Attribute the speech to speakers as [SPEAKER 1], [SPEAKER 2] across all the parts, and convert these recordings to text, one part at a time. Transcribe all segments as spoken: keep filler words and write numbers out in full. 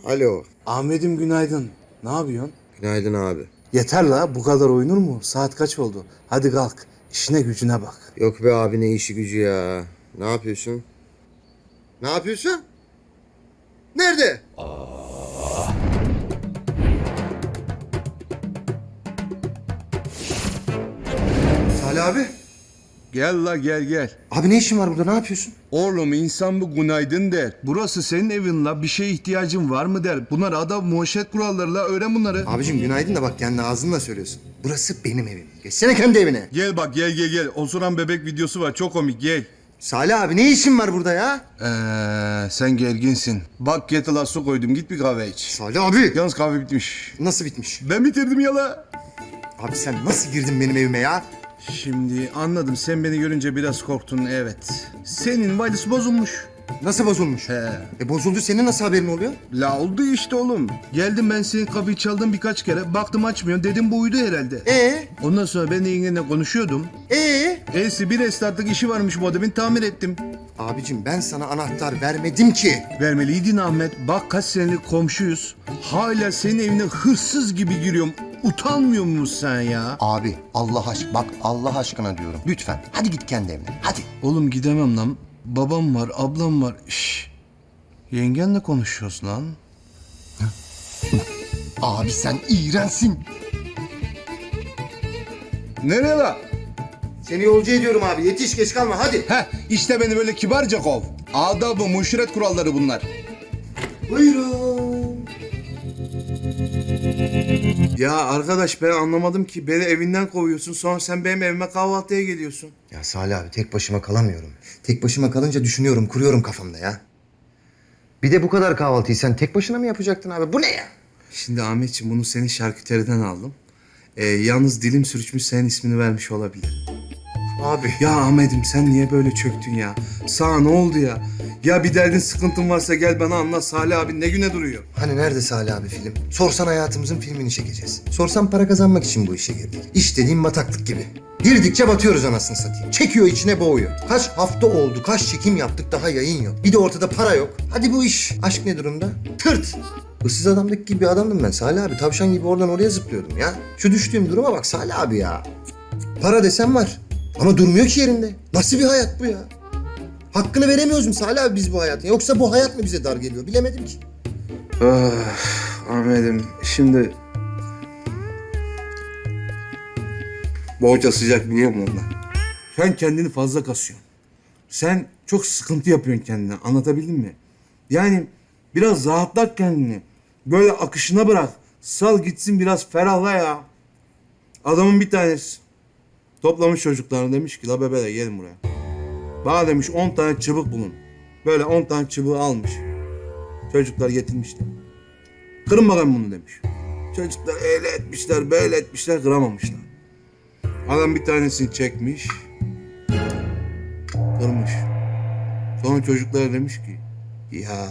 [SPEAKER 1] Alo.
[SPEAKER 2] Ahmet'im günaydın. Ne yapıyorsun?
[SPEAKER 1] Günaydın abi.
[SPEAKER 2] Yeter la, bu kadar oyunur mu? Saat kaç oldu? Hadi kalk. İşine gücüne bak.
[SPEAKER 1] Yok be abi, ne işi gücü ya. Ne yapıyorsun? Ne yapıyorsun? Nerede? Salih abi.
[SPEAKER 3] Gel la gel gel.
[SPEAKER 1] Abi ne işin var burada, ne yapıyorsun?
[SPEAKER 3] Oğlum insan bu günaydın der. Burası senin evin la. Bir şeye ihtiyacın var mı der. Bunlar adam muhaşet kuralları la. Öğren bunları.
[SPEAKER 1] Abicim günaydın da bak kendi ağzınla söylüyorsun. Burası benim evim. Geçsene kendi evine.
[SPEAKER 3] Gel bak gel gel gel. Osuran bebek videosu var. Çok komik gel.
[SPEAKER 1] Salih abi ne işin var burada ya?
[SPEAKER 3] Eee sen gerginsin. Bak kettle'a su koydum. Git bir kahve iç.
[SPEAKER 1] Salih abi.
[SPEAKER 3] Yalnız kahve bitmiş.
[SPEAKER 1] Nasıl bitmiş?
[SPEAKER 3] Ben bitirdim ya la.
[SPEAKER 1] Abi sen nasıl girdin benim evime ya?
[SPEAKER 3] Şimdi anladım. Sen beni görünce biraz korktun evet. Senin valisi bozulmuş.
[SPEAKER 1] Nasıl bozulmuş?
[SPEAKER 3] He.
[SPEAKER 1] E bozuldu, senin nasıl haberin oluyor?
[SPEAKER 3] La oldu işte oğlum. Geldim ben senin kapıyı çaldım birkaç kere. Baktım açmıyor. Dedim bu uyudu herhalde.
[SPEAKER 1] Ee?
[SPEAKER 3] Ondan sonra ben de yengenle konuşuyordum.
[SPEAKER 1] Ee?
[SPEAKER 3] Elsi bir restartlık işi varmış bu adamın, tamir ettim.
[SPEAKER 1] Abicim ben sana anahtar vermedim ki.
[SPEAKER 3] Vermeliydin Ahmet. Bak kaç senelik komşuyuz. Hala senin evine hırsız gibi giriyorum. Utanmıyor musun sen ya?
[SPEAKER 4] Abi Allah aşkına bak Allah aşkına diyorum. Lütfen hadi git kendi evine hadi.
[SPEAKER 3] Oğlum gidemem lan. Babam var, ablam var. Şşş. Yengenle konuşuyoruz lan.
[SPEAKER 4] Abi sen iğrensin.
[SPEAKER 3] Nereye la?
[SPEAKER 1] Seni yolcu ediyorum abi, yetiş, geç kalma hadi.
[SPEAKER 3] Heh işte beni böyle kibarca kov. Adab-ı muşret kuralları bunlar.
[SPEAKER 1] Buyurun.
[SPEAKER 2] Ya arkadaş, ben anlamadım ki. Beni evinden kovuyorsun, sonra sen benim evime kahvaltıya geliyorsun.
[SPEAKER 1] Ya Salih abi tek başıma kalamıyorum. Tek başıma kalınca düşünüyorum, kuruyorum kafamda ya. Bir de bu kadar kahvaltıyı sen tek başına mı yapacaktın abi? Bu ne ya?
[SPEAKER 2] Şimdi Ahmetciğim, bunu senin şarküteriden aldım. Ee, yalnız dilim sürçmüş, senin ismini vermiş olabilir.
[SPEAKER 1] Abi.
[SPEAKER 2] Ya Ahmet'im, sen niye böyle çöktün ya? Sana ne oldu ya? Ya bir derdin, sıkıntın varsa gel bana anlat. Salih abi ne güne duruyor?
[SPEAKER 1] Hani nerede Salih abi film? Sorsan hayatımızın filmini çekeceğiz. Sorsan para kazanmak için bu işe girdik. İş dediğin bataklık gibi. Girdikçe batıyoruz anasını satayım. Çekiyor, içine boğuyor. Kaç hafta oldu, kaç çekim yaptık, daha yayın yok. Bir de ortada para yok. Hadi bu iş. Aşk ne durumda? Tırt. Hırsız adamdaki gibi bir adamdım ben Salih abi. Tavşan gibi oradan oraya zıplıyordum ya. Şu düştüğüm duruma bak Salih abi ya. Para desem var. Ama durmuyor ki yerinde. Nasıl bir hayat bu ya? Hakkını veremiyoruz mu Salih abi biz bu hayatın? Yoksa bu hayat mı bize dar geliyor? Bilemedim ki.
[SPEAKER 2] Ah, Ahmet'im, şimdi... Boğaça sıcak, biliyor musun ondan? Sen kendini fazla kasıyorsun. Sen çok sıkıntı yapıyorsun kendine, anlatabildim mi? Yani biraz rahatlat kendini. Böyle akışına bırak. Sal gitsin, biraz ferahla ya. Adamın bir tanesi toplamış çocuklarını, demiş ki la bebeler gelin buraya. Bana demiş on tane çubuk bulun. Böyle on tane çubuğu almış. Çocuklar getirmişler. Kırın bakalım bunu demiş. Çocuklar öyle etmişler, böyle etmişler, kıramamışlar. Adam bir tanesini çekmiş. Kırmış. Sonra çocuklara demiş ki ya,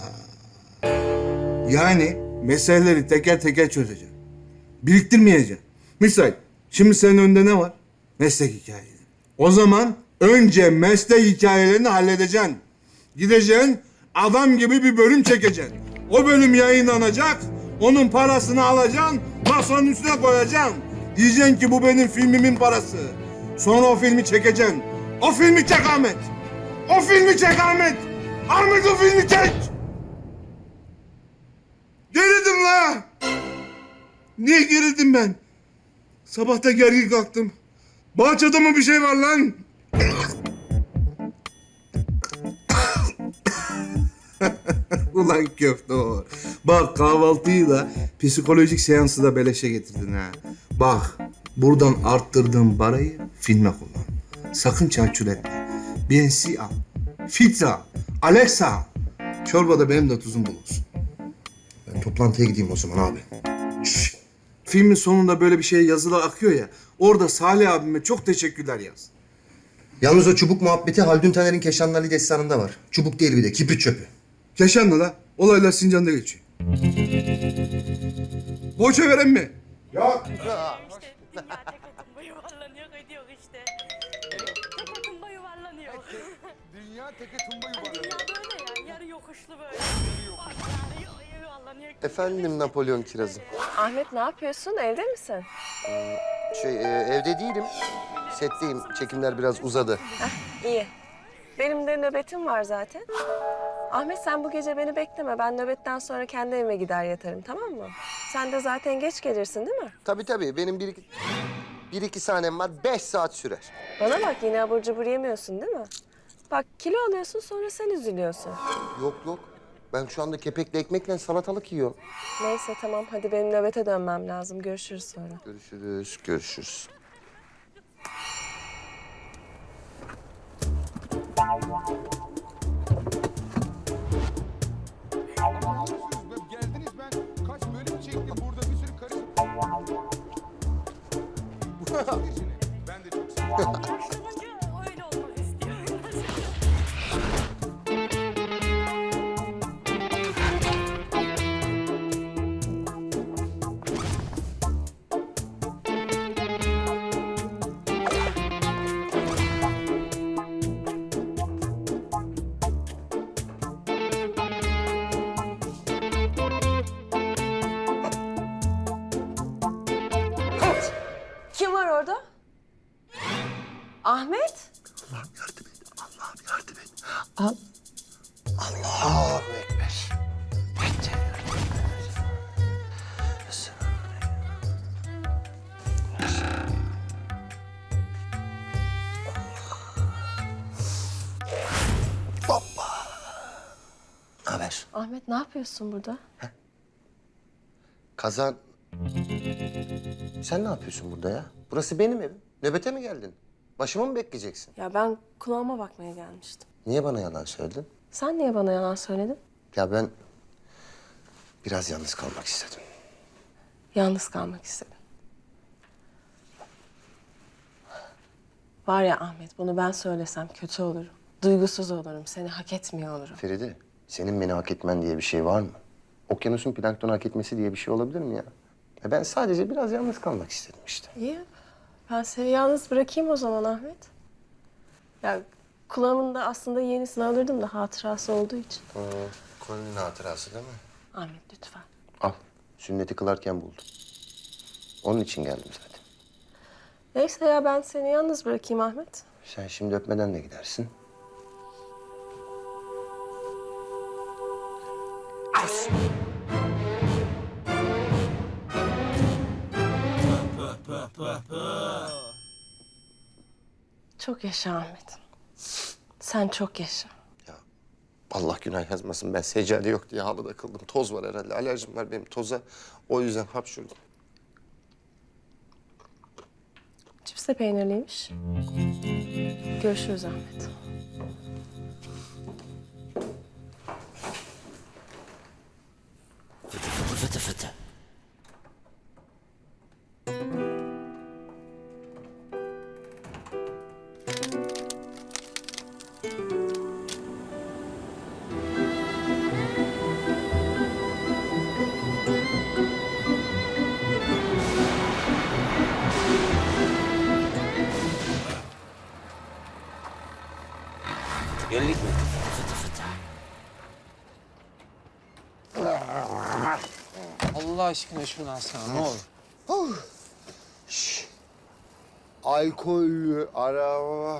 [SPEAKER 2] yani meseleleri teker teker çözeceğim. Biriktirmeyeceğim. Misal şimdi senin önünde ne var? Meslek hikayeleri. O zaman önce meslek hikayelerini halledeceksin. Gideceksin, adam gibi bir bölüm çekeceksin. O bölüm yayınlanacak, onun parasını alacaksın, masanın üstüne koyacaksın. Diyeceksin ki bu benim filmimin parası. Sonra o filmi çekeceksin. O filmi çek Ahmet. O filmi çek Ahmet. Ahmet o filmi çek. Gerildim la. Niye gerildim ben? Sabahta gergin kalktım. Bahçede mı bir şey var lan? Ulan köfte o. Bak kahvaltıyı da psikolojik seansı da beleşe getirdin ha. Bak buradan arttırdığın parayı filme kullan. Sakın çarçur etme. B N C al. Filtre al. Alexa al. Çorbada benim de tuzum bulunsun.
[SPEAKER 1] Ben toplantıya gideyim o zaman abi.
[SPEAKER 2] Şşş. Filmin sonunda böyle bir şey yazılar akıyor ya. Orada Salih abime çok teşekkürler yaz.
[SPEAKER 1] Yalnız o çubuk muhabbeti Haldun Taner'in Keşanlı Ali destanında var. Çubuk değil bir de, kibrit çöpü.
[SPEAKER 2] Keşanlı la. Olaylar Sincan'da geçiyor. Boğaça veren mi?
[SPEAKER 1] Yok.
[SPEAKER 5] İşte dünya tek oturma yuvarlanıyor gidiyor işte. Tek oturma yuvarlanıyor.
[SPEAKER 4] Dünya teke tumba
[SPEAKER 5] Dünya böyle ya, yarı yokuşlu böyle. Bak yani, vallahi niye
[SPEAKER 1] Efendim Napolyon kirazım.
[SPEAKER 6] Ahmet ne yapıyorsun? Evde misin?
[SPEAKER 1] Şey e, evde değilim. Setteyim. Çekimler biraz uzadı.
[SPEAKER 6] İyi. Benim de nöbetim var zaten. Ahmet sen bu gece beni bekleme. Ben nöbetten sonra kendi evime gider yatarım, tamam mı? Sen de zaten geç gelirsin değil mi?
[SPEAKER 1] Tabii tabii. Benim bir iki, bir iki sahnem var. Beş saat sürer.
[SPEAKER 6] Bana bak yine abur cubur yemiyorsun değil mi? Bak kilo alıyorsun sonra sen üzülüyorsun.
[SPEAKER 1] Yok yok. Ben şu anda kepekli ekmekle salatalık yiyorum.
[SPEAKER 6] Neyse tamam hadi benim nöbete dönmem lazım. Görüşürüz sonra.
[SPEAKER 1] Görüşürüz, görüşürüz.
[SPEAKER 3] Geldiniz ben kaç bölüm çektim burada bir sürü karı... Ben de çok seviyorum.
[SPEAKER 5] Konuşulunca öyle olmak istiyorum.
[SPEAKER 6] Kim var orada? Ahmet?
[SPEAKER 1] Allah'ım yardım et. Allah'ım yardım et. Al. Allahu Ekber. Hoppa. Haber.
[SPEAKER 6] Ahmet ne yapıyorsun burada?
[SPEAKER 1] Kazan. Sen ne yapıyorsun burada ya? Burası benim evim. Nöbete mi geldin? Başımı mı bekleyeceksin?
[SPEAKER 6] Ya ben kulağıma bakmaya gelmiştim.
[SPEAKER 1] Niye bana yalan söyledin?
[SPEAKER 6] Sen niye bana yalan söyledin?
[SPEAKER 1] Ya ben biraz yalnız kalmak istedim.
[SPEAKER 6] Yalnız kalmak istedim. Var ya Ahmet, bunu ben söylesem kötü olurum. Duygusuz olurum, seni hak etmiyor olurum.
[SPEAKER 1] Feride, senin beni hak etmen diye bir şey var mı? Okyanusun planktonu hak etmesi diye bir şey olabilir mi ya? Ya ben sadece biraz yalnız kalmak istedim işte.
[SPEAKER 6] İyi, ben seni yalnız bırakayım o zaman Ahmet. Ya kulağımın da aslında yenisini alırdım da hatırası olduğu için.
[SPEAKER 1] Ee, konunun hatırası değil mi?
[SPEAKER 6] Ahmet lütfen.
[SPEAKER 1] Al, sünneti kılarken buldum. Onun için geldim zaten.
[SPEAKER 6] Neyse ya ben seni yalnız bırakayım Ahmet.
[SPEAKER 1] Sen şimdi öpmeden de gidersin.
[SPEAKER 6] Çok yaşa Ahmet. Sen çok yaşa.
[SPEAKER 1] Allah günah yazmasın, ben seccade yok diye halıda kıldım. Toz var herhalde, alerjim var benim toza. O yüzden hapşurdum.
[SPEAKER 6] Cips de peynirliymiş. Görüşürüz Ahmet.
[SPEAKER 7] Fıtı fıtı. Geldik mi? Fıtı fıtı.
[SPEAKER 8] Allah aşkına şunu alsana ne olur.
[SPEAKER 9] Alkollü araba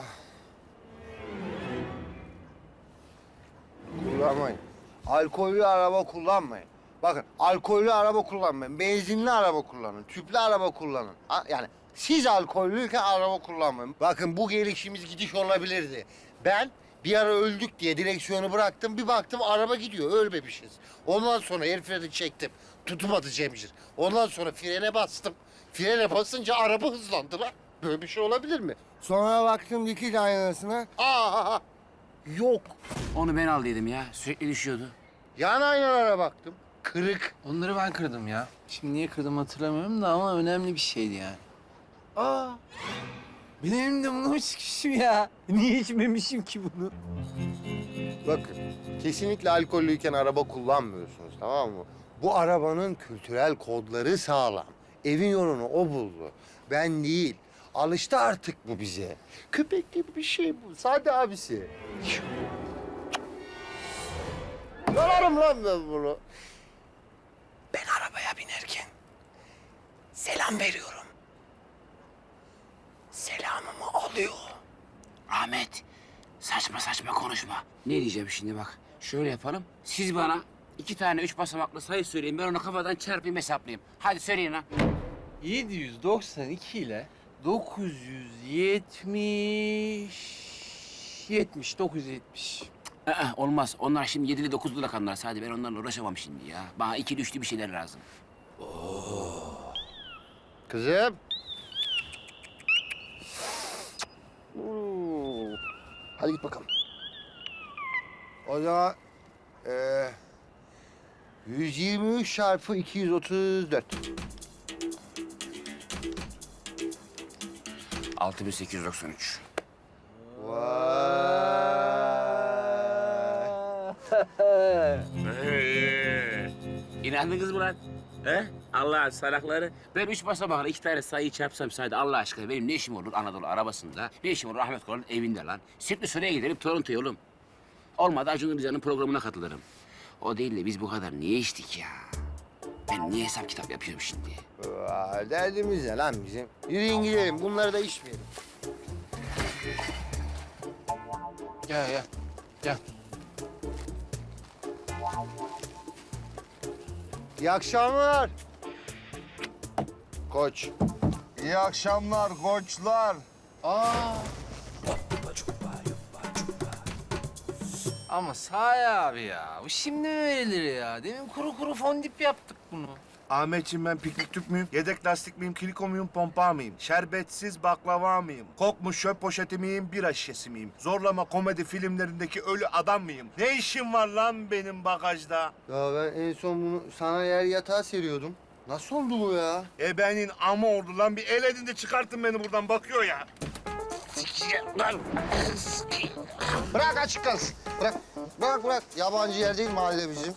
[SPEAKER 9] kullanmayın. Alkollü araba kullanmayın. Bakın alkollü araba kullanmayın. Benzinli araba kullanın. Tüplü araba kullanın. Ha, yani siz alkollüyken araba kullanmayın. Bakın bu gelişimiz gidiş olabilirdi. Ben bir ara öldük diye direksiyonu bıraktım. Bir baktım araba gidiyor. Ölmemişiz. Ondan sonra el freni çektim. Tutmadı Cemcir. Ondan sonra frene bastım. Frene basınca araba hızlandı lan. Böyle bir şey olabilir mi? Sonra baktım dikiz aynasına. Aa, yok.
[SPEAKER 7] Onu ben aldıydım ya. Sürekli düşüyordu.
[SPEAKER 9] Yan aynalara baktım. Kırık.
[SPEAKER 8] Onları ben kırdım ya. Şimdi niye kırdım hatırlamıyorum da ama önemli bir şeydi yani.
[SPEAKER 9] Aa,
[SPEAKER 8] Benim elimde bunu mu çıkmışım ya? Niye içmemişim ki bunu?
[SPEAKER 9] bakın kesinlikle alkollüyken araba kullanmıyorsunuz, tamam mı? Bu arabanın kültürel kodları sağlam. Evin yolunu o buldu. Ben değil. Alıştı artık bu bize. Köpek gibi bir şey bu. Sade abisi. Yalarım lan ben bunu.
[SPEAKER 8] selam veriyorum. Selamımı alıyor.
[SPEAKER 7] Ahmet, saçma saçma konuşma. Ne diyeceğim şimdi bak. Şöyle yapalım. Siz bana iki tane üç basamaklı sayı söyleyin. Ben onu kafadan çarpayım hesaplayayım. Hadi söyleyin lan.
[SPEAKER 8] yedi yüz doksan iki ile dokuz yüz yetmiş... yetmiş, dokuz yüz yetmiş.
[SPEAKER 7] Aa, olmaz. Onlar şimdi yedili dokuzlu rakamlar. Hadi ben onlarla uğraşamam şimdi ya. Bana ikili üçlü bir şeyler lazım.
[SPEAKER 9] Kızım. Oo. Hadi git bakalım. O zaman eee yüz yirmi üç çarpı iki yüz otuz dört.
[SPEAKER 7] altı bin sekiz yüz doksan üç. İnandınız mı lan? He? Allah'ın salakları. Ben üç basamakla iki tane sayıyı çarpsam saydı Allah aşkına benim ne işim olur Anadolu arabasında? Ne işim olur Ahmet Koran'ın evinde lan? Sirtli Süreyya gidelim Toronto'ya oğlum. Olmadı Acun Ilıcalı'nın programına katılırım. O değil de biz bu kadar niye içtik ya? Ben niye hesap kitap yapıyorum şimdi?
[SPEAKER 9] Aa, derdimiz ne lan bizim? Yürüyün gidelim. Bunları da içmeyelim.
[SPEAKER 8] Gel gel. Gel.
[SPEAKER 9] İyi akşamlar. Koç.
[SPEAKER 3] İyi akşamlar koçlar.
[SPEAKER 8] Aa. Ama Sahi abi ya, bu şimdi mi verilir ya? Demin kuru kuru fondip yaptık bunu.
[SPEAKER 3] Ahmetciğim ben piknik tüp müyüm? Yedek lastik miyim? Kiliko muyum? Pompa mıyım? Şerbetsiz baklava mıyım? Kokmuş çöp poşeti miyim? Bira şişesi miyim? Zorlama komedi filmlerindeki ölü adam mıyım? Ne işim var lan benim bagajda?
[SPEAKER 9] Ya ben en son bunu sana yer yatağa seriyordum. Nasıl oldu bu ya?
[SPEAKER 3] Ebenin ama oldu lan. Bir el edin de çıkartın beni buradan. Bakıyor ya.
[SPEAKER 9] Bırak açık kalsın. Bırak. Bırak bırak. Yabancı yer değil mahalle bizim.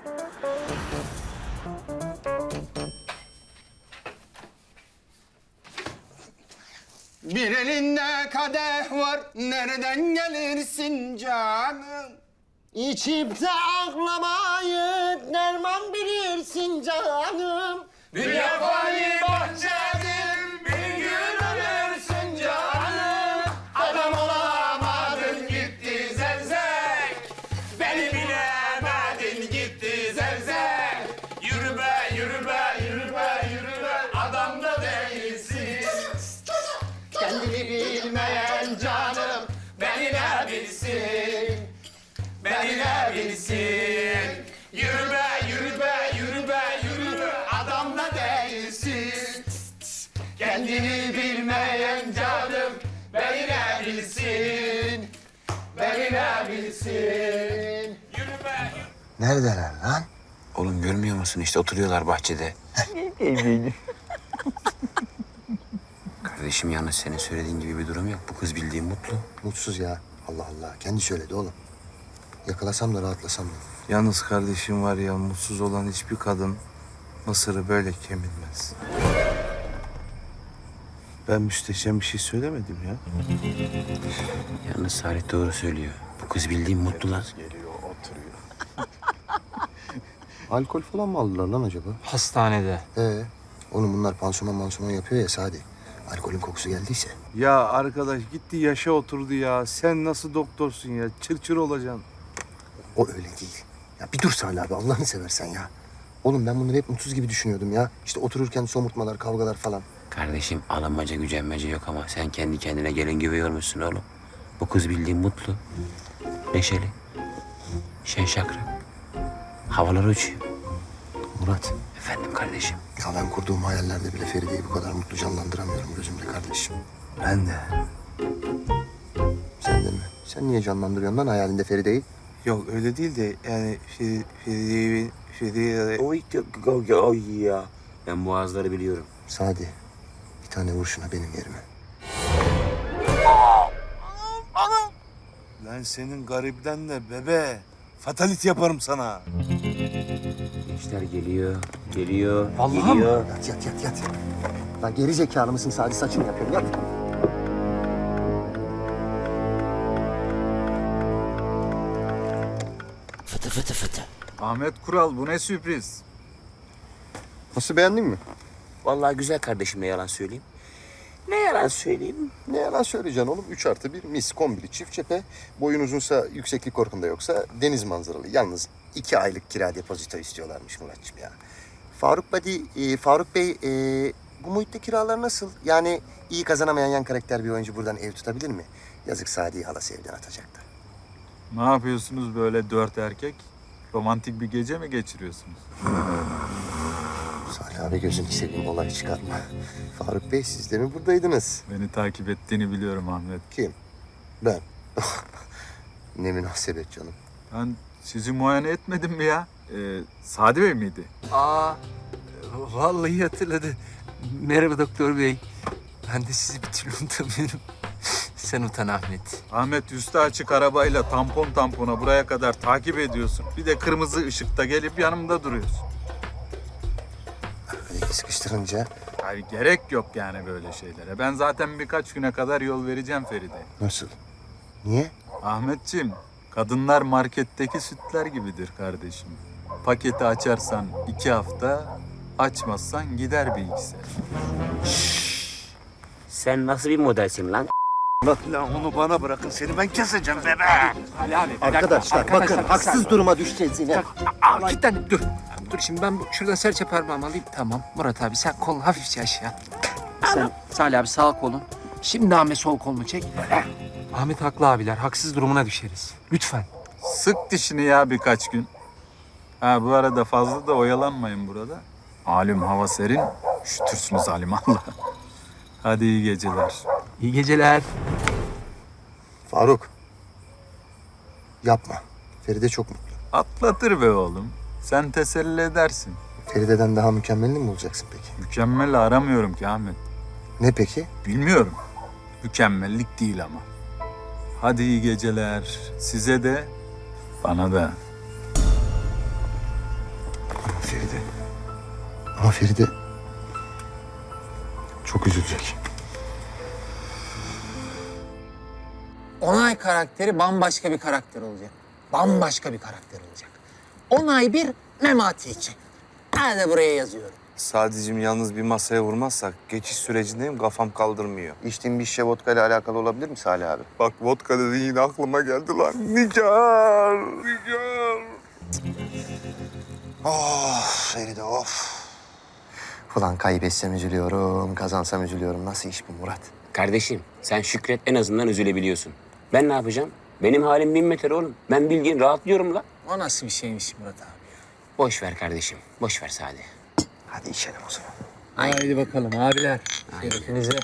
[SPEAKER 3] Bir elinde kadeh var. Nereden gelirsin canım?
[SPEAKER 9] İçip de ağlamayıp derman bilirsin canım.
[SPEAKER 3] Dünya fani bahçedir. Bir gün ölürsün canım. Adam olamadın gitti zevzek. Beni bilemedin gitti zevzek. Yürü be, yürü be, yürü be, yürü be. Adam da değilsin. Kendini bilmeyen canım. Beni ne bilsin? Beni ne bilsin? Yürü be, yürü be, yürü be, yürü be. Adam da değilsin. Kendini bilmeyen canım. Beni ne bilsin? Beni ne bilsin? Yürü be, yürü.
[SPEAKER 9] Neredeler lan?
[SPEAKER 7] Oğlum görmüyor musun işte oturuyorlar bahçede. Kardeşim yalnız senin söylediğin gibi bir durum yok. Bu kız bildiğin mutlu.
[SPEAKER 1] Mutsuz ya. Allah Allah. Kendi söyledi oğlum. Yakalasam da rahatlasam da.
[SPEAKER 2] Yalnız kardeşim var ya, mutsuz olan hiçbir kadın mısırı böyle kemirmez. Ben müsteşem bir şey söylemedim ya.
[SPEAKER 7] Yalnız Salih doğru söylüyor. Bu kız bildiğin mutlu lan.
[SPEAKER 1] Alkol falan mı aldılar lan acaba?
[SPEAKER 8] Hastanede.
[SPEAKER 1] Ee, oğlum bunlar pansuman mansuman yapıyor ya Sadi. Alkolün kokusu geldiyse.
[SPEAKER 2] Ya arkadaş gitti yaşa oturdu ya. Sen nasıl doktorsun ya? Çır çır olacaksın.
[SPEAKER 1] O öyle değil. Ya bir dur Salih abi Allah'ını seversen ya. Oğlum ben bunları hep mutsuz gibi düşünüyordum ya. İşte otururken somurtmalar, kavgalar falan.
[SPEAKER 7] Kardeşim alınmaca gücenmece yok ama sen kendi kendine gelin gibi yormuşsun oğlum. Bu kız bildiğin mutlu, neşeli, şen şakrak. Havalar uçuyor.
[SPEAKER 1] Murat,
[SPEAKER 7] Efendim kardeşim.
[SPEAKER 1] ya ben kurduğum hayallerde bile Feride'yi bu kadar mutlu canlandıramıyorum gözümde kardeşim.
[SPEAKER 2] Ben de.
[SPEAKER 1] Sen de mi? Sen niye canlandırıyorsun lan hayalinde Feride'yi?
[SPEAKER 2] Yok öyle değil de yani Feri- Feride'yi Feride'yi
[SPEAKER 7] Oy, oy, oy ya. Ben boğazları biliyorum.
[SPEAKER 1] Sadi, bir tane vur şuna benim yerime.
[SPEAKER 2] Lan senin garibden de bebe. Fatalit yaparım sana.
[SPEAKER 7] Gençler geliyor, geliyor,
[SPEAKER 8] Vallahi
[SPEAKER 7] geliyor.
[SPEAKER 1] Yat yat yat yat. Lan geri zekalı mısın Sadi saçını yapıyorum yat.
[SPEAKER 7] Fıtı fıtı fıtı.
[SPEAKER 10] Ahmet Kural bu ne sürpriz?
[SPEAKER 1] Nasıl beğendin mi?
[SPEAKER 7] Vallahi güzel kardeşime yalan söyleyeyim. Ne yalan söyleyeyim?
[SPEAKER 1] Ne yalan söyleyeceksin oğlum. Üç artı bir mis kombili çift cephe. Boyun uzunsa yükseklik korkunda yoksa deniz manzaralı. Yalnız iki aylık kira depozito istiyorlarmış Muratçım ya. Faruk Badi, e, Faruk Bey e, bu muhitte kiralar nasıl? Yani iyi kazanamayan yan karakter bir oyuncu buradan ev tutabilir mi? Yazık Sadi'yi halası evden atacaktı.
[SPEAKER 10] Ne yapıyorsunuz böyle dört erkek? Romantik bir gece mi geçiriyorsunuz?
[SPEAKER 1] Salih abi gözünü seveyim olay çıkartma. Faruk Bey siz de mi buradaydınız?
[SPEAKER 10] Beni takip ettiğini biliyorum Ahmet.
[SPEAKER 1] Kim? Ben. Ne münasebet canım.
[SPEAKER 10] Ben sizi muayene etmedim mi ya? Ee, Sadi Bey miydi?
[SPEAKER 8] Aa, vallahi hatırladı. Merhaba doktor bey. Ben de sizi bir türlü unutamıyorum. Sen utan Ahmet.
[SPEAKER 10] Ahmet üstü açık arabayla tampon tampona buraya kadar takip ediyorsun. Bir de kırmızı ışıkta gelip yanımda duruyorsun.
[SPEAKER 1] Hadi sıkıştırınca.
[SPEAKER 10] Hayır, gerek yok yani böyle şeylere. Ben zaten birkaç güne kadar yol vereceğim Feride.
[SPEAKER 1] Nasıl? Niye?
[SPEAKER 10] Ahmetciğim, kadınlar marketteki sütler gibidir kardeşim. Paketi açarsan iki hafta, açmazsan gider bir iki sene.
[SPEAKER 7] Sen nasıl bir modelsin lan?
[SPEAKER 3] Lan onu bana bırakın seni ben keseceğim bebe.
[SPEAKER 8] Ali abi.
[SPEAKER 1] Arkadaşlar bakın haksız duruma düşeceğiz yine.
[SPEAKER 8] Aa, kilitlendim dur. Dur şimdi ben bu, şuradan serçe parmağımı alayım. Tamam Murat abi sen kolunu hafifçe aşağı. Sen Salih abi sağ kolun. Şimdi Ahmet sol kolunu çek. Ahmet haklı abiler. Haksız durumuna düşeriz. Lütfen.
[SPEAKER 10] Sık dişini ya birkaç gün. Ha bu arada fazla da oyalanmayın burada. Malum hava serin, üşütürsünüz alimallah. Hadi iyi geceler.
[SPEAKER 8] İyi geceler.
[SPEAKER 1] Faruk. Yapma. Feride çok mutlu.
[SPEAKER 10] Atlatır be oğlum. Sen teselli edersin.
[SPEAKER 1] Feride'den daha mükemmelini mi bulacaksın peki?
[SPEAKER 10] Mükemmel aramıyorum ki Ahmet.
[SPEAKER 1] Ne peki?
[SPEAKER 10] Bilmiyorum. Mükemmellik değil ama. Hadi iyi geceler. Size de, bana da.
[SPEAKER 1] Feride. Ama Feride çok üzülecek.
[SPEAKER 8] Onay karakteri bambaşka bir karakter olacak. Bambaşka bir karakter olacak. Onay bir, Memati için. Ben de buraya yazıyorum.
[SPEAKER 2] Sadece yalnız bir masaya vurmazsak geçiş sürecindeyim, kafam kaldırmıyor.
[SPEAKER 1] İçtiğin bir şişe vodka ile alakalı olabilir mi Salih abi?
[SPEAKER 2] Bak vodka dediğin yine aklıma geldi lan. Nigar, Nigar.
[SPEAKER 1] Of Feride of. Ulan kaybetsem üzülüyorum, kazansam üzülüyorum. Nasıl iş bu Murat?
[SPEAKER 7] Kardeşim sen şükret en azından üzülebiliyorsun. Ben ne yapacağım? Benim halim bin metre oğlum. Ben bildiğin rahatlıyorum la.
[SPEAKER 8] O nasıl bir şeymiş Murat abi?
[SPEAKER 7] Boş ver kardeşim. Boş ver Sadi.
[SPEAKER 1] Hadi içelim o zaman.
[SPEAKER 8] Haydi bakalım abiler. Şerefinize.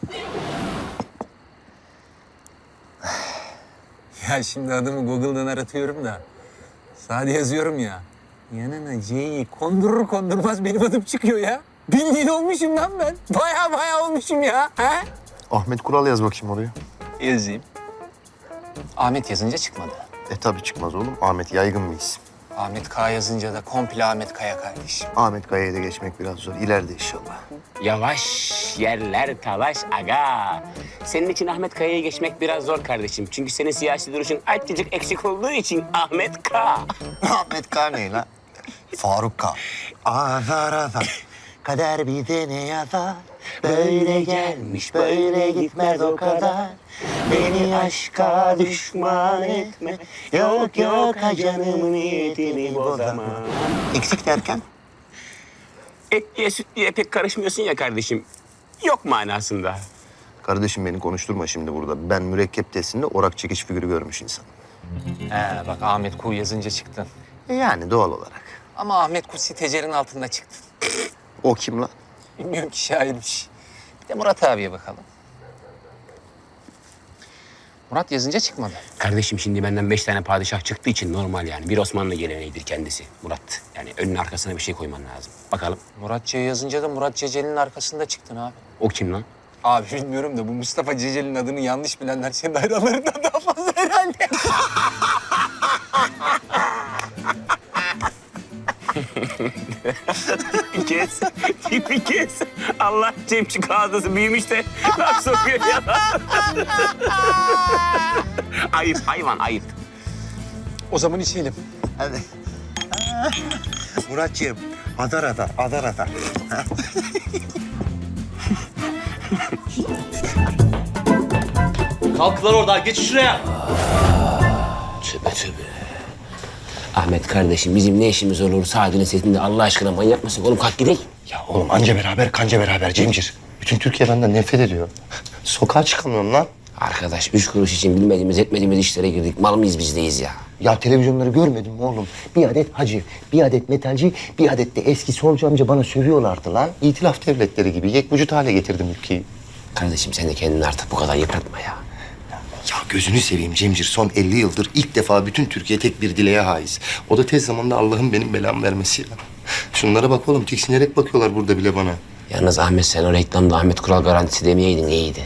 [SPEAKER 8] Ya şimdi adımı Google'dan aratıyorum da. Sade yazıyorum ya. Yanına C'yi kondurur kondurmaz benim adım çıkıyor ya. Bildiğin olmuşum lan ben. Baya baya olmuşum ya. He?
[SPEAKER 1] Ahmet Kural yaz bakayım oraya.
[SPEAKER 8] Yazayım. Ahmet yazınca çıkmadı.
[SPEAKER 1] E tabii çıkmaz oğlum. Ahmet yaygın bir isim.
[SPEAKER 8] Ahmet K yazınca da komple Ahmet Kaya kardeşim.
[SPEAKER 1] Ahmet Kaya'ya da geçmek biraz zor. İleride inşallah.
[SPEAKER 7] Yavaş yerler talaş aga. Senin için Ahmet Kaya'ya geçmek biraz zor kardeşim. Çünkü senin siyasi duruşun azıcık eksik olduğu için Ahmet K.
[SPEAKER 1] Ahmet K ne lan? Faruk K. Azar azar. Kader bize ne yazar? Böyle gelmiş, böyle gitmez o kadar. Beni aşka düşman etme. Yok yok ha canımın niyetini bozama. Eksik derken?
[SPEAKER 7] Etliye sütlüye pek karışmıyorsun ya kardeşim. Yok manasında.
[SPEAKER 1] Kardeşim beni konuşturma şimdi burada. Ben mürekkep testinde orak çekiş figürü görmüş insanım.
[SPEAKER 8] He bak Ahmet Ku yazınca çıktın.
[SPEAKER 1] E yani doğal olarak.
[SPEAKER 8] Ama Ahmet Ku sitecerin altında çıktın.
[SPEAKER 1] O kim lan?
[SPEAKER 8] Bilmiyorum ki şairmiş. Bir de Murat abiye bakalım. Murat yazınca çıkmadı.
[SPEAKER 7] Kardeşim şimdi benden beş tane padişah çıktığı için normal yani. Bir Osmanlı geleneğidir kendisi Murat. Yani önüne arkasına bir şey koyman lazım. Bakalım.
[SPEAKER 8] Murat C yazınca da Murat Ceceli'nin arkasında çıktın abi.
[SPEAKER 7] O kim lan?
[SPEAKER 8] Abi bilmiyorum da bu Mustafa Ceceli'nin adını yanlış bilenler senin hayranlarından daha fazla herhalde.
[SPEAKER 7] Bir kez, bir kez. Allah Cemçik ağzısı büyümüş de laf sokuyor ya. Ayıp hayvan ayıp.
[SPEAKER 8] O zaman içelim.
[SPEAKER 1] Hadi.
[SPEAKER 9] Muratcığım, Adana'da, Adana'da.
[SPEAKER 7] Kalk lan oradan, geç şuraya. Tövbe tövbe. Ahmet kardeşim bizim ne işimiz olur Sadi'nin setinde Allah aşkına manyak mısın? Oğlum kalk gidelim.
[SPEAKER 4] Ya oğlum anca beraber kanca beraber Cemcir. Bütün Türkiye benden nefret ediyor. Sokağa çıkamıyorum lan.
[SPEAKER 7] Arkadaş üç kuruş için bilmediğimiz etmediğimiz işlere girdik. Mal mıyız bizdeyiz ya?
[SPEAKER 4] Ya televizyonları görmedin mi oğlum? Bir adet hacı, bir adet metalci, bir adet de eski solcu amca bana sövüyorlardı lan. İtilaf devletleri gibi yek vücut hale getirdim ülkeyi.
[SPEAKER 7] Kardeşim sen de kendini artık bu kadar yıpratma ya.
[SPEAKER 4] Ya gözünü seveyim Cemcir. Son elli yıldır ilk defa bütün Türkiye tek bir dileğe haiz. O da tez zamanda Allah'ın benim belamı vermesi ya. Şunlara bak oğlum, tiksinerek bakıyorlar burada bile bana.
[SPEAKER 7] Yalnız Ahmet sen o reklamda Ahmet Kural garantisi demeyeydin iyiydi.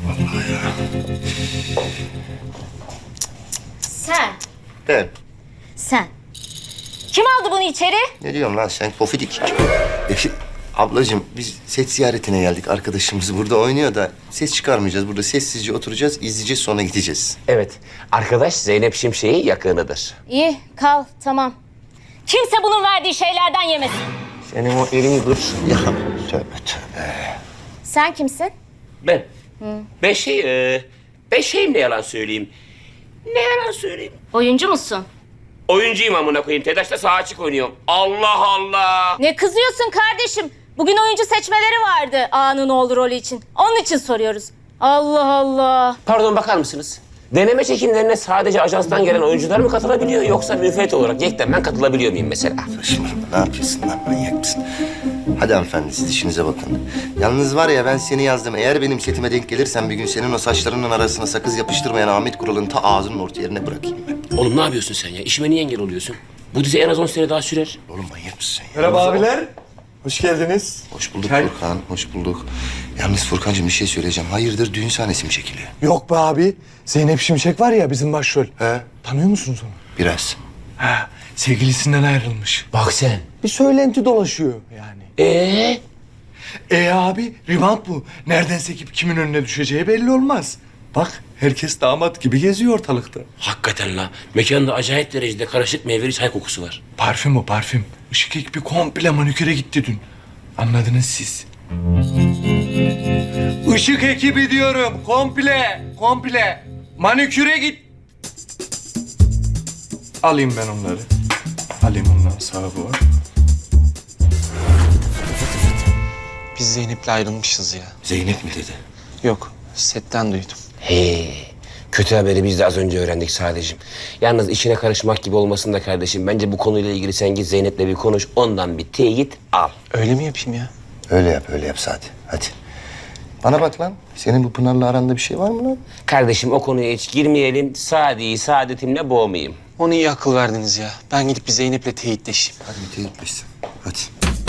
[SPEAKER 11] Sen,
[SPEAKER 4] Ben.
[SPEAKER 11] sen. Kim aldı bunu içeri?
[SPEAKER 4] Ne diyorsun lan sen pofidik? Ablacığım biz set ziyaretine geldik. Arkadaşımız burada oynuyor da ses çıkarmayacağız. Burada sessizce oturacağız, izleyeceğiz, sonra gideceğiz.
[SPEAKER 7] Evet arkadaş Zeynep Şimşek'in yakınıdır.
[SPEAKER 11] İyi, kal, tamam. Kimse bunun verdiği şeylerden yemesin.
[SPEAKER 4] Senin o elini dur. Ya tövbe tövbe.
[SPEAKER 11] Sen kimsin?
[SPEAKER 7] Ben. Ben şey, e, ben şeyim ne yalan söyleyeyim. Ne yalan söyleyeyim.
[SPEAKER 11] Oyuncu musun?
[SPEAKER 7] Oyuncuyum amına koyayım. TEDAŞ'ta sağ açık oynuyorum. Allah Allah.
[SPEAKER 11] Ne kızıyorsun kardeşim? Bugün oyuncu seçmeleri vardı A'nın oğlu rolü için. Onun için soruyoruz. Allah Allah.
[SPEAKER 7] Pardon bakar mısınız? Deneme çekimlerine sadece ajanstan gelen oyuncular mı katılabiliyor yoksa müfret olarak yekten ben katılabiliyor muyum mesela?
[SPEAKER 4] Saçmalama, ne yapıyorsun lan, manyak mısın? Hadi hanımefendi siz işinize bakın. Yalnız var ya ben seni yazdım. Eğer benim setime denk gelirsen bir gün senin o saçlarının arasına sakız yapıştırmayan Ahmet Kural'ın ta ağzının orta yerine bırakayım ben.
[SPEAKER 7] Oğlum ne yapıyorsun sen ya? İşime niye engel oluyorsun? Bu dizi en az on sene daha sürer.
[SPEAKER 4] Oğlum manyak mısın ya?
[SPEAKER 12] Merhaba abiler. Hoş geldiniz.
[SPEAKER 4] Hoş bulduk Furkan, hoş bulduk. Yalnız Furkancığım bir şey söyleyeceğim. Hayırdır düğün sahnesi mi çekiliyor?
[SPEAKER 12] Yok be abi. Zeynep Şimşek var ya bizim başrol.
[SPEAKER 4] He?
[SPEAKER 12] Tanıyor musunuz onu?
[SPEAKER 4] Biraz.
[SPEAKER 12] Ha, sevgilisinden ayrılmış.
[SPEAKER 7] Bak sen.
[SPEAKER 12] Bir söylenti dolaşıyor yani.
[SPEAKER 7] Ee?
[SPEAKER 12] E abi revant bu. Nereden sekip kimin önüne düşeceği belli olmaz. Bak herkes damat gibi geziyor ortalıkta.
[SPEAKER 7] Hakikaten la. Mekanda acayip derecede karışık meyveli çay kokusu var.
[SPEAKER 12] Parfüm o parfüm. Işık ekibi komple maniküre gitti dün. Anladınız siz. Işık ekibi diyorum. Komple. Komple. Maniküre git. Alayım ben onları. Alayım onların sahibi var.
[SPEAKER 8] Biz Zeynep'le ayrılmışız ya.
[SPEAKER 4] Zeynep mi dedi?
[SPEAKER 8] Yok, setten duydum.
[SPEAKER 7] He. Kötü haberi biz de az önce öğrendik sadece. Yalnız işine karışmak gibi olmasın da kardeşim. Bence bu konuyla ilgili sen git Zeynep'le bir konuş. Ondan bir teyit al.
[SPEAKER 8] Öyle mi yapayım ya?
[SPEAKER 4] Öyle yap, öyle yap Sadi. Hadi. Bana bak lan. Senin bu Pınar'la aranda bir şey var mı lan?
[SPEAKER 7] Kardeşim o konuya hiç girmeyelim. Sadi'yi saadetimle boğmayayım.
[SPEAKER 8] Onu iyi akıl verdiniz ya. Ben gidip bir Zeynep'le teyitleşeyim.
[SPEAKER 4] Hadi bir teyitleşsin. Hadi.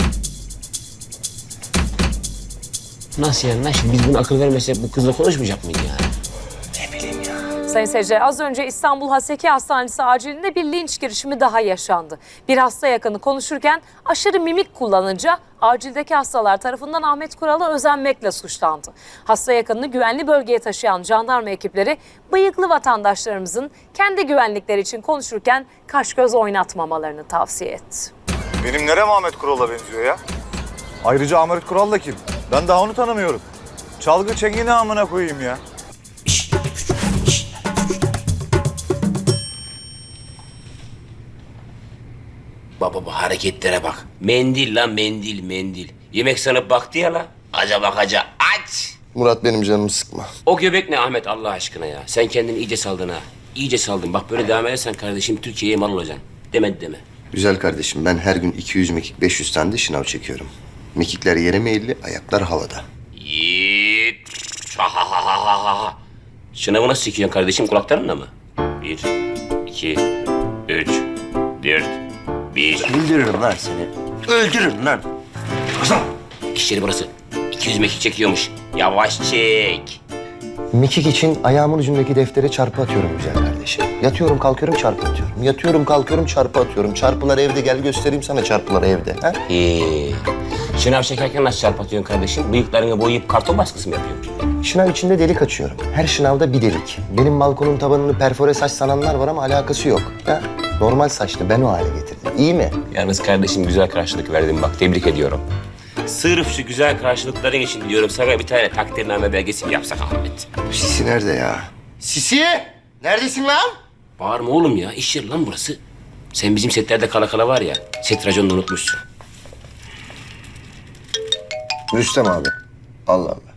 [SPEAKER 7] Nasıl yani lan? Şimdi biz bunu akıl vermesek bu kızla konuşmayacak mıyız yani?
[SPEAKER 13] Sayın seyirciler, az önce İstanbul Haseki Hastanesi acilinde bir linç girişimi daha yaşandı. Bir hasta yakını konuşurken aşırı mimik kullanınca acildeki hastalar tarafından Ahmet Kural'a özenmekle suçlandı. Hasta yakınını güvenli bölgeye taşıyan jandarma ekipleri bıyıklı vatandaşlarımızın kendi güvenlikleri için konuşurken kaş göz oynatmamalarını tavsiye etti.
[SPEAKER 12] Benim nerem Ahmet Kural'a benziyor ya? Ayrıca Ahmet Kural da kim? Ben daha onu tanımıyorum. Çalgı çengini amına koyayım ya.
[SPEAKER 7] Baba bu hareketlere bak. Mendil lan mendil mendil. Yemek sanıp baktı ya la. Aca bakaca aç.
[SPEAKER 4] Murat benim canımı sıkma.
[SPEAKER 7] O göbek ne Ahmet Allah aşkına ya. Sen kendini iyice saldın ha. İyice saldın. Bak böyle devam edersen kardeşim Türkiye'ye mal olacaksın. Demedi deme.
[SPEAKER 4] Güzel kardeşim ben her gün iki yüz mekik beş yüz tane de şınav çekiyorum. Mekikler yere meyilli, ayaklar havada.
[SPEAKER 7] Yiğit. Ha ha ha ha ha ha. Şınavı nasıl çekiyorsun kardeşim kulaklarınla mı? Bir, iki, üç, dört, bir.
[SPEAKER 4] Öldürürüm lan seni. Öldürürüm lan.
[SPEAKER 7] İş yeri burası. iki yüz mekik çekiyormuş. Yavaş çek.
[SPEAKER 4] Mekik için ayağımın ucundaki deftere çarpı atıyorum güzel kardeşim. Yatıyorum kalkıyorum çarpı atıyorum. Yatıyorum kalkıyorum çarpı atıyorum. Çarpılar evde gel göstereyim sana çarpılar evde. Ha?
[SPEAKER 7] Ee, şınav çekerken nasıl çarpatıyorsun kardeşim? Bıyıklarını boyayıp karton baskısı mı yapıyorsun?
[SPEAKER 4] Şınav içinde delik açıyorum. Her şınavda bir delik. Benim balkonun tabanını perfore saç sananlar var ama alakası yok. Ha? Normal saçlı ben o hale getirdim. İyi mi?
[SPEAKER 7] Yalnız kardeşim güzel karşılık verdin bak tebrik ediyorum. Sırf şu güzel karşılıkların için diyorum sana bir tane takdirname belgesi mi yapsak Ahmet?
[SPEAKER 4] Sisi nerede ya? Sisi! Neredesin lan?
[SPEAKER 7] Bağırma oğlum ya iş yeri lan burası. Sen bizim setlerde kala kala var ya set raconunu unutmuşsun.
[SPEAKER 4] Rüstem abi. Allah Allah.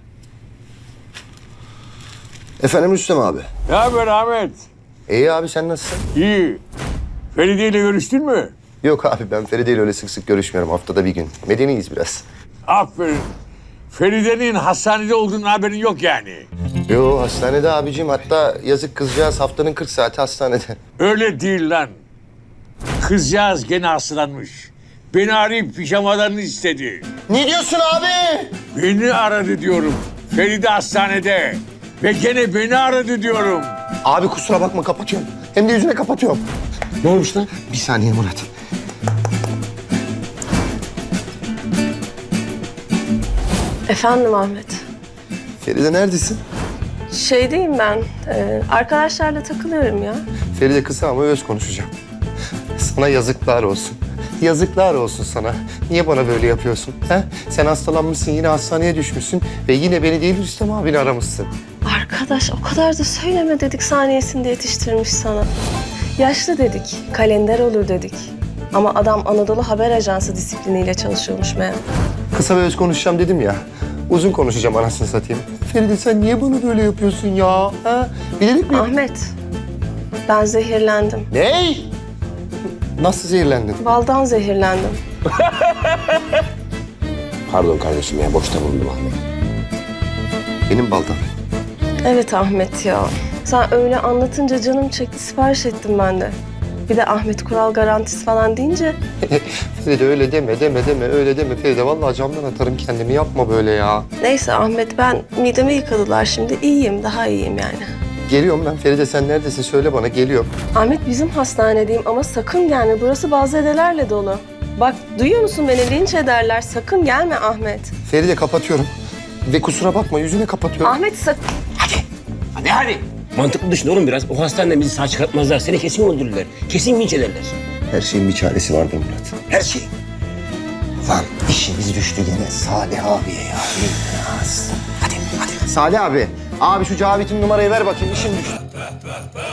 [SPEAKER 4] Efendim Rüstem abi.
[SPEAKER 12] Ne haber Ahmet?
[SPEAKER 4] İyi abi sen nasılsın?
[SPEAKER 12] İyi. Feride ile görüştün mü?
[SPEAKER 4] Yok abi ben Feride ile öyle sık sık görüşmüyorum. Haftada bir gün. Medeniyiz biraz.
[SPEAKER 12] Aferin. Feride'nin hastanede olduğunun haberin yok yani.
[SPEAKER 4] Yo hastanede abicim. Hatta yazık kızcağız haftanın kırk saati hastanede.
[SPEAKER 12] Öyle değil lan. Kızcağız gene hastalanmış. Beni arayıp pijamalarını istedi.
[SPEAKER 4] Ne diyorsun abi?
[SPEAKER 12] Beni aradı diyorum. Feride hastanede. Ve gene beni aradı diyorum.
[SPEAKER 4] Abi kusura bakma kapatıyorum. Hem de yüzüne kapatıyorum.
[SPEAKER 7] Ne olmuş lan?
[SPEAKER 4] Bir saniye Murat.
[SPEAKER 6] Efendim Ahmet.
[SPEAKER 4] Feride neredesin?
[SPEAKER 6] Şeydeyim ben. e, arkadaşlarla takılıyorum ya.
[SPEAKER 4] Feride kısa ama öz konuşacağım. Sana yazıklar olsun. Yazıklar olsun sana. Niye bana böyle yapıyorsun? He? Sen hastalanmışsın, yine hastaneye düşmüşsün ve yine beni değil Rüstem abini aramışsın.
[SPEAKER 6] Arkadaş o kadar da söyleme dedik saniyesinde yetiştirmiş sana. Yaşlı dedik, kalender olur dedik. Ama adam Anadolu Haber Ajansı disipliniyle çalışıyormuş meğer.
[SPEAKER 4] Kısa ve öz konuşacağım dedim ya. Uzun konuşacağım anasını satayım. Feride sen niye bana böyle yapıyorsun ya? Ha? Bilerek mi?
[SPEAKER 6] Ahmet, ben zehirlendim.
[SPEAKER 4] Ney? Nasıl zehirlendin?
[SPEAKER 6] Baldan zehirlendim.
[SPEAKER 7] Pardon kardeşim ya boşta bulundum Ahmet.
[SPEAKER 4] Benim baldan.
[SPEAKER 6] Evet Ahmet ya. Sen öyle anlatınca canım çekti, sipariş ettim ben de. Bir de Ahmet Kural garantisi falan deyince...
[SPEAKER 4] Feride öyle deme, deme, deme, öyle deme Feride. Vallahi camdan atarım kendimi, yapma böyle ya.
[SPEAKER 6] Neyse Ahmet, ben midemi yıkadılar şimdi. İyiyim, daha iyiyim yani.
[SPEAKER 4] Geliyorum ben. Feride sen neredesin? Söyle bana, geliyorum.
[SPEAKER 6] Ahmet bizim hastanedeyim ama sakın gelme. Burası bazedelerle dolu. Bak duyuyor musun beni? Linç ederler. Sakın gelme Ahmet.
[SPEAKER 4] Feride kapatıyorum. Ve kusura bakma, yüzüne kapatıyorum.
[SPEAKER 6] Ahmet sakın...
[SPEAKER 7] Hadi. Hadi hadi. Mantıklı düşün oğlum biraz. O hastaneden bizi sağ çıkartmazlar. Seni kesin öldürürler. Kesin vinç ederler.
[SPEAKER 4] Her şeyin bir çaresi vardır Murat.
[SPEAKER 7] Her şey.
[SPEAKER 4] Lan işimiz düştü gene Salih abiye ya. Hadi, hadi. Salih abi. Abi şu Cavit'in numarayı ver bakayım, işim düştü.